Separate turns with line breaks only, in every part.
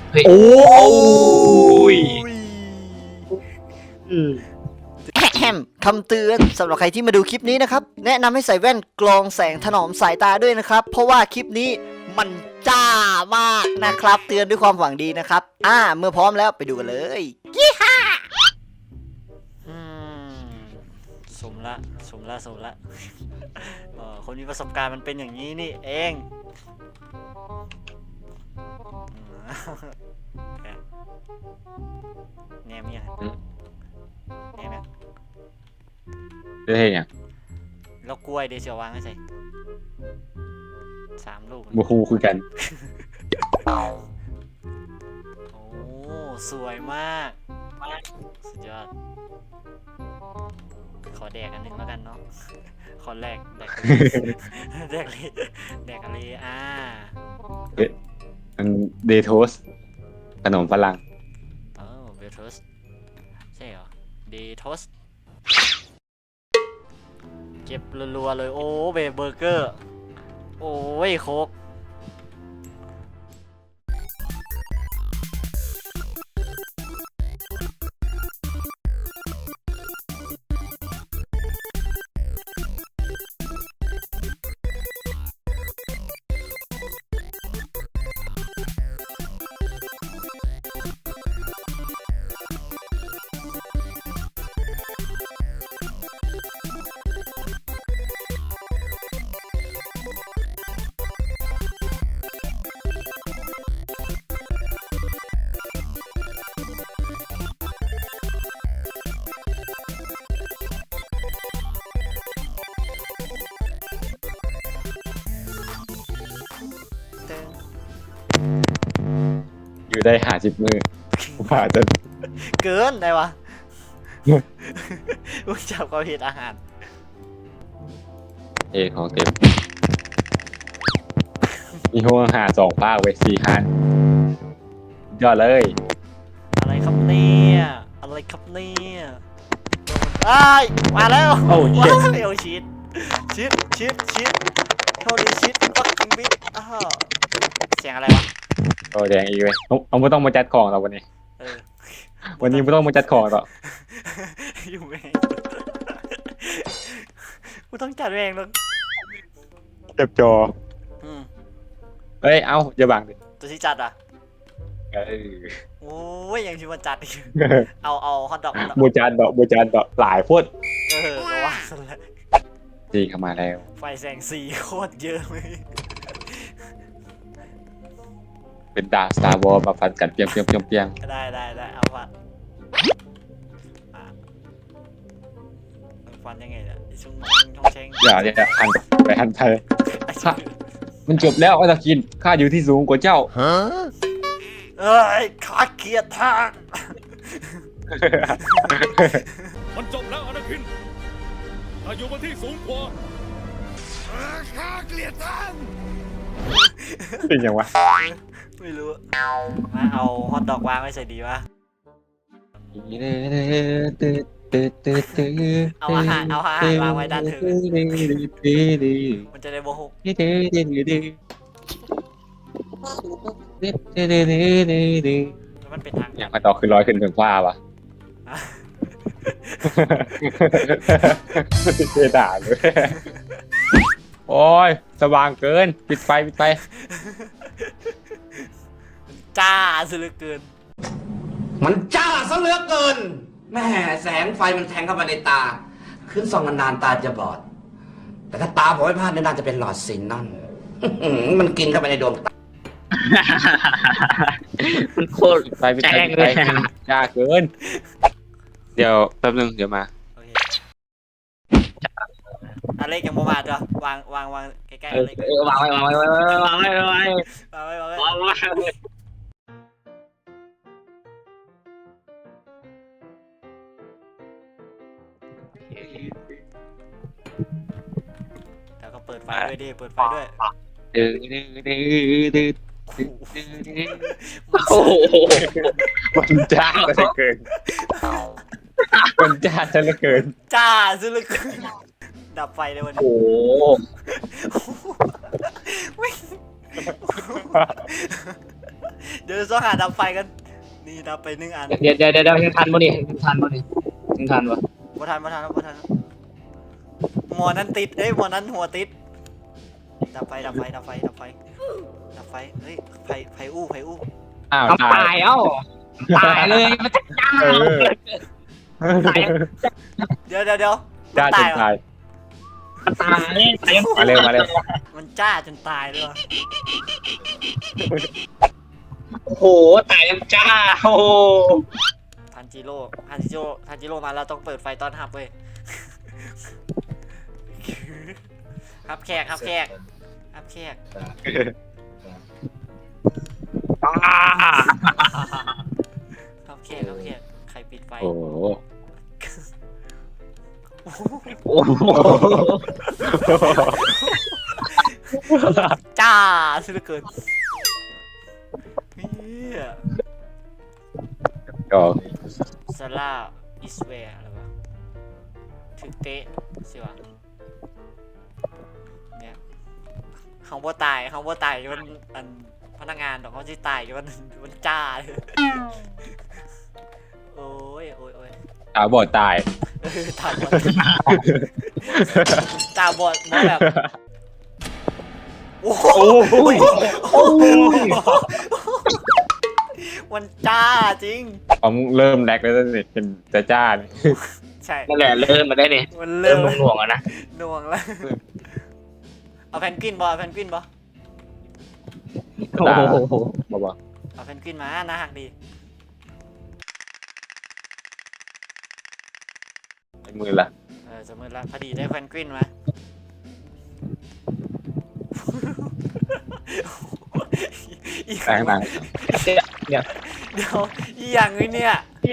เฮ้ย
โอ้
ย
แฮมคำเตือนสำหรับใครที่มาดูคลิปนี้นะครับแนะนำให้ใส่แว่นกรองแสงถนอมสายตาด้วยนะครับเพราะว่าคลิปนี้มันจ้ามากนะครับเตือนด้วยความหวังดีนะครับเมื่อพร้อมแล้วไปดูกันเลยยี่ห้าสมละคนมีประสบการณ์มันเป็นอย่างนี้นี่เองแนมยังแนมยัง
ได้เห็นยัง
แล้วกล้วยเดี๋ยวจะวางให้ใส่3 ลูก
บูฮูคุยกัน
โอ้สวยมากสุดยอดขอแดกอันหนึ่งแล้วกันเนาะขอแดกแดกอะไร
มันเดโทสขนมฝรั่ง
เบลทสใช่เหรอเดทสเก็บรัวๆเลยโอ้เบเบอร์เกอร์โอ้ยโคก
อยู่ได้50 มือว่าจะ
เกินได้วะอุ้ยจับความผิดอาหาร
ของเต็มมีห้องอาหาร2 ภาคเว้ย4 คันยอดเลย
อะไรครับเนี่ยอ้ายมาแล้ว
โอ้
ว้า
เช็ด
วเอวชิดโทษดีชิดฟักกิ้งบิ๊กเสียงอะไรวะ
โอ้แดงอีกเว้ยเอาไม่ต้องมาจัดของเราวันนี้ วันนี้ไม่ต้องมาจัดของหรอก
อยู่เองกูต้องจัดเองแล้ว
เจ็บจอเฮ้ยเอาอย่าบังดิ
ตัวที่จัดอ่ะโอ้ยยังชิวันจัดอีกเอาฮอตดอก
บูจานดอกหลายโพด
ก็ว่าสนแล้ว
จีเข้ามาแล้ว
ไฟแสงสีโคตรเยอะเลย
เป็นดาบ Star Wars มาฟันกันเปียง
ได้เอาฟันฟันยังไงเนี่ยชุ่งเชง
อย่าหันไปหันไปมันจบแล้วอัตคินข้าอยู่ที่สูงกว่าเจ้า
เอ้ยขาเกียดทาง
มันจบแล้วอนาคินถ้าอยู่บนที่สูงกว่าข้าเกลียดท่าน
เป็นยังวะ
ไม่รู้มาเอาฮอตดอกวางไว้ใส่ดีวะเอาอาหารวางไว้ด้านถึงมันจะได้โมโหมันเป็นทาง
อย่างมาต่อคือลอยขึ้นถึงฟ้าวะเท่ด่าเลยโอ้ยสว่างเกินปิดไฟ
จ้าซะเหลือเกิน
มันจ้าซะเหลือเกินแม่แสงไฟมันแทงเข้ามาในตา ขึ้นส่องนานๆตาจะบอด แต่ถ้าตาผมไม่พลาดน่าจะเป็นหลอดซินนอน มันกินเข้าไปในดวงตา
มันโคตร
ปิดไฟจ้าเกินเดี๋ยวแป๊บนึงเดี๋ยวมา
โอเคอะไรยังโมมาจ้ะวางใกล้ๆอะไร
วางไว้
แล้วก็เปิดไฟด้วยดิเปิดไฟด้วย
โอ้โห
มันจ้าซะเหลือเกินมันจ้าซะเหลือเกิน
จ้าซะเหลือเกินดับไฟเลยวันนี้
โอ้
เดี๋ยวต้องหาดับไฟกัน นี่ดับไป1 อัน
เดี๋ยวยังทันบ่นี่ยังทันบ่
บ่ทันหมอนั้นติดเอ้ยหมอนั้นหัวติดดับไฟเฮ้ยไฟอู้
อ้าว
เอา
ตา
ตาย ยตายเลยมันจะจ้า
เออ
ตาย
เดี๋ยว
จ้าจน
เหรอ
ตาย
ตาย
มาเร็ว
มันจ้าจนตายเลยเหรอ
โอ้โหตายยังจ้าโอ้
ทันจิโร่มาแล้วต้องเปิดไฟต้อนรับเว้ย ครับแขกใครปิดไฟ
โอ้โห
โอ้โห
จ้าสุดเหลือเกินเฮีย
ก็
ซาร่าอิสเวร์อะไรวะถึงเตะสิวะเนี่ยเขาบ่ตายมันอันพนักงานดอกเขาที่ตายมันจ้าเลยโอ้ย
ตาบอดตาย
ตาบอดมาแบบโอ้โหมันจ้าจริง
ผมเริ่มแดกแล้วสิเป็นจ้าเนี่ย
ใช่
นั่นแหละเริ่มมาได้นี่
มัน
เริ่
เริ่
ม
ม
หน่วงแล้วนะ
หน่วงแล้วเอาแพนกวินบอ
โอ้โห
บอก
เอาแพนกวินมาน่าหักดี
มือละ
สมมติละพอดีได้แพนกวินมาอีก
แรงหนัง
เดี๋ยวอีอย่างนี้เนี่ย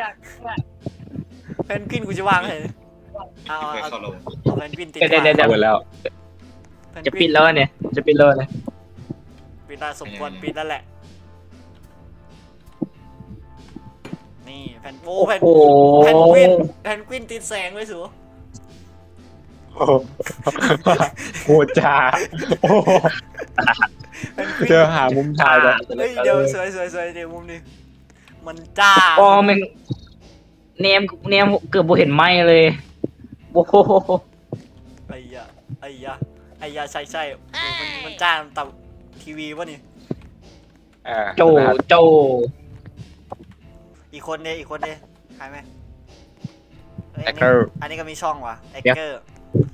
แพนกวินกูจะวางเลยเอาแพนกวินติด
เดี๋ยว
หมดแล้ว
จะปิดแล้วเนี่ยปิดแล้ว
ปิดแล้วสมควรปิดแล้วแหละนี่แพน
โอ้
แพน
โห
แพนกวินติดแสงไว้สู
โคตรจ้าโอ้โหเจอหามุมถ่ายแบบ
เฮ้ยเดี๋ยวสวยเดี๋ยวมุมนี้มันจ้า
อ๋อแม่งเนมเกือบบ่เห็นไหมเลยโอ้โห
ไอ้ยาใช่โอ้มันจ้าตับทีวีวะนี่
โจ
อีกคนเนี่ยใครไหม
แอคเกอร์
อันนี้ก็มีช่องว่ะแอคเกอร์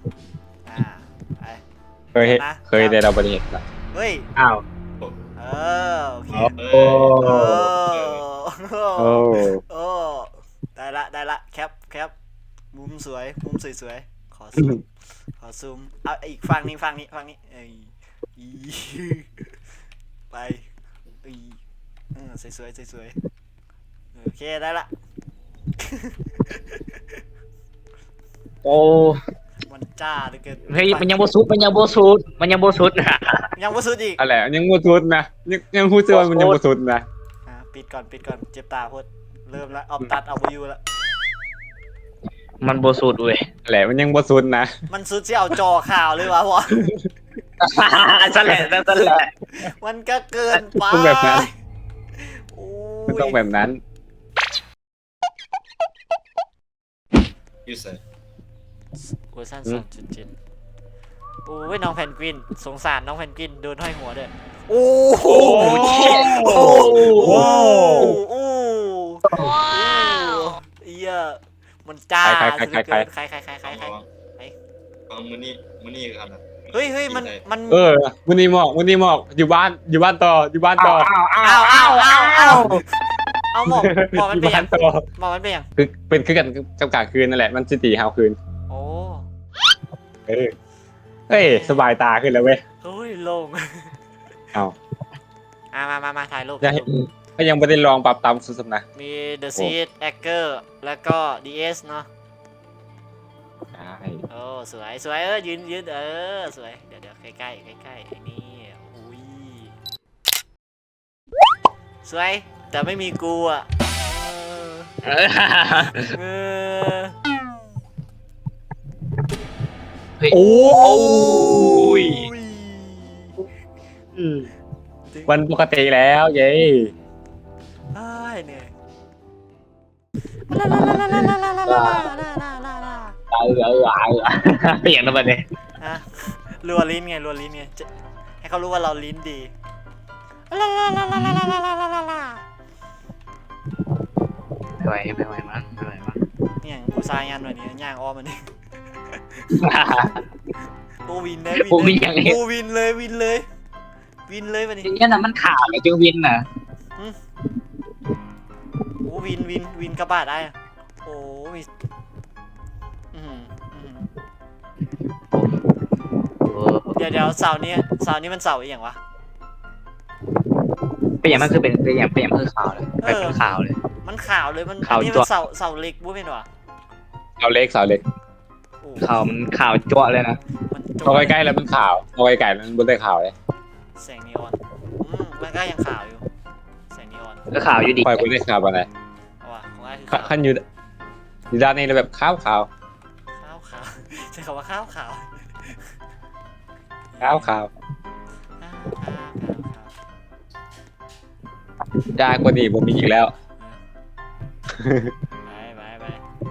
เคยได้เราบริเหตุละ
เฮ้ย
อ้าว
โอเค
โอ้
โอ้
ได้ละแคปมุมสวยขอซูมเอาอีกฝั่งนี้เอ้ยไปสวยโอเคได้ละ
โอ้
มันจ้าเหลือเกิน
เฮ้ยมันยังโบสุด
ยังบ่สุดอีก
อะไรยังมูทุดนะยังพูดเจอมันยังมูทุดนะ
ปิดก่อนเจ็บตาพดเริ่มแล้วเอาตัดเอาไปอยู่แล้ว
มันโบสุดเว้ย
อะไรมันยังมูทุดนะ
มันสุดที่เอาจอข่าวเลยวะวะ
นั่นแหละ
มันก็เกินไป
ต้องแบบนั้น
โอ้
มันต้องแบบนั้น
เวอร์ชัน2.7โอ้ยน้องแพนกวินสงสารน้องแพนกวินโดนห้อยหัวด้วยโอ้โหเหี้ยมันจ้า
ใคร
เอามือนี่ครับ
เฮ้ยมัน
วันนี้หมอกอยู่บ้านต่อ
เอาหมอกมันเป็นอย่าง
ต่อ
หมอกมันเป็นอย่าง
คือเป็นคือกันจำกัดคืนนั่นแหละมันจะตีหาวคืน
โอ้
เฮ้ยสบายตาขึ้นแล้วเว้ย
เฮ้ยโล่ง
เอา
มาถ่ายรูป
ก็ยังไม่ได้ลองปรับตามสุดๆนะ
มี The Seed Hacker แล้วก็ DS เนาะ
ใช่
โอ้สวยยืนสวยเดี๋ยวใกล้นี่อุ้ยสวยแต่ไม่มีกูอ่ะ
โอ้ย
วันปกติแล้วเย้
เหนื่อย
เปลี่ยนแล้วบัดนี้
ฮะรัวลิ้นไงจะให้เขารู้ว่าเราลิ้นดี
ไม่ไหวมั้งไม่ไหวมั้ง
เนี่ยกูซายงานหน่อยนี้ย่างอ้อมมันนี่กูวินเลย
กูวินอย่างนี้
กูวินเลยวันนี้
อย่างเงี้ยนะมันข่าวเลยจึงวินน่ะ
กูวินกระบาดได้อะโอ้ยอื้อหือเดี๋ยวเสาร์นี้มันเสาร์อีกอย่างวะ
เป็นอย่างมันคือเป็นอย่างคือข่าวเลยเป็นข่าวเลย
มันข่าวเลยมัน
ข่าว
อันนี้
จั่
มั
ว
นเสาเล็กบุ้เป็นวะ
เสาเล็ก
โอ้
ข่าวมันข่าวจั่วเลยนะ
มันโจ
เอาใกล้ๆแล้วมันข่าวเอาใกล้ๆแล้วมันบนได้ข่าวเลย
แสงนีออนมันก็ยังข่าวอยู่แสงนีออน
ก็ข่าวอยู่ดี
คอยบนได้ข่าวอะไร
เอาว่ะของไอ้คือข่าว
ขั้นอยู่ด้านนี้เลยแบบขาว
ใช้คำว่าข้าวขาว
จ้ากว่านี้ผมมีอีกแล้ว
ไป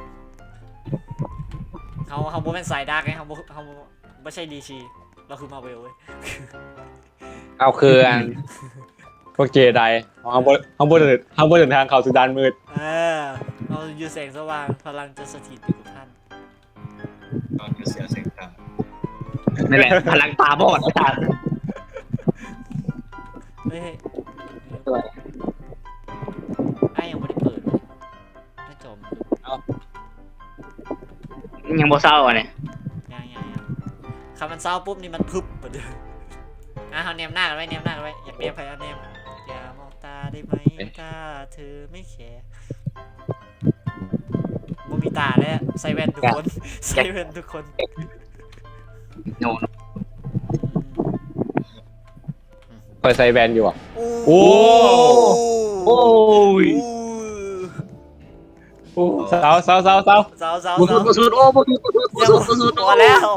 เขาโบเป็นสายดาร์กไงเขาไม่ใช่ดีชีเราคือมาเวลเว้ย
เอาคืออันพวกเจไดเขาบนเดินทางเข้าสู่ด้านมืด
เราอยู่แสงสว่างพลังจะสถิตอยู่กับท่าน
ตอนเสียเสียงตาม
นั่นแหละพลังตาบอดไอ้สัส
เฮ้ยไอ้ยังไม่ได้เปิดเลยไม่จม
ยังโบเศร้าอ่ะเนี่ย
ยังคำมันเศร้าปุ๊บนี่มันพึบไปเลยเอาเนียมหน้ากันไว้อยากเนียมใครเอาเนียมอย่ามองตาได้ไหมถ้าเธอไม่แคร์บ่มีตาแล้วใส่แว่นทุกคน
โน
คอยใส่แบนอยู่อ่ะ
โอ้
โอ้ย
เสา
สาว
บุสุดโอ้บุสุด
พอแล้ว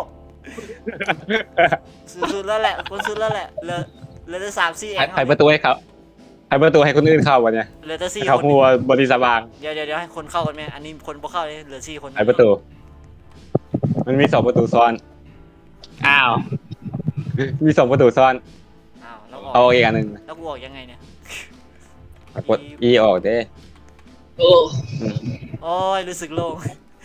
สุดแล้วแหละคนสุดแล้วแหละเหลือแต่3-4เอง
ไขประตูให้เขาไขประตูให้คนอื่นเข้าวันเนี้ย
เหลือแต่4
เขา
คน
หัวบริษัทบาง
เดี๋ยวให้คนเข้ากันไหมอันนี้คนบ่เข้าเลยเหลือ4 คน
ไขประตู มันมี2 ประตูซ้อน
อ้าว
มี2 ประตูซ้อน
อ้าวแล้วอ
เอา
อก
อีกอันหนึ่ง
แล้วกูออกยังไงเนี่ย
กด E ออกเด้
โอ้
โอ้ยรู้สึกโล่ง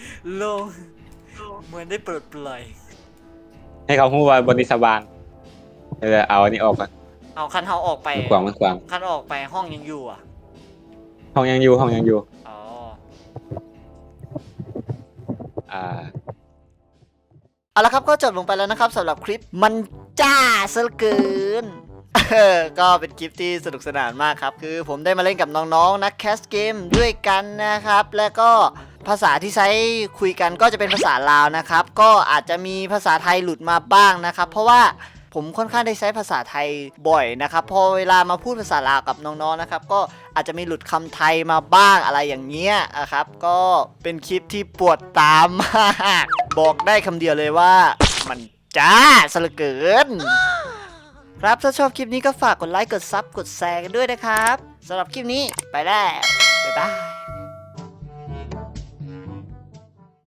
เหมือนได้ปลดปล่อย
ให้เขาหัวบริษัทบางเดี๋ยวเอาอันนี้ออกก่อน
เอาคันเฮาออกไป
มันขวาง
คันออกไปห้องยังอยู่อ่ะ
ห้องยังอยู่
อ๋อเอาละครับก็จบลงไปแล้วนะครับสำหรับคลิปมันจ้าซะเหลือเกิน ก็เป็นคลิปที่สนุกสนานมากครับคือผมได้มาเล่นกับน้องๆนักแคสเกมด้วยกันนะครับแล้วก็ภาษาที่ใช้คุยกันก็จะเป็นภาษาลาวนะครับก็อาจจะมีภาษาไทยหลุดมาบ้างนะครับเพราะว่าผมค่อนข้างได้ใช้ภาษาไทยบ่อยนะครับพอเวลามาพูดภาษาลาวกับน้องๆนะครับก็อาจจะมีหลุดคำไทยมาบ้างอะไรอย่างเงี้ยนะครับก็เป็นคลิปที่ปวดตามมากบอกได้คำเดียวเลยว่ามันจ้าซะเหลือเกินครับถ้าชอบคลิปนี้ก็ฝากกดไลค์กดซับกดแชร์กันด้วยนะครับสำหรับคลิปนี้ไปแล้วบ๊ายบาย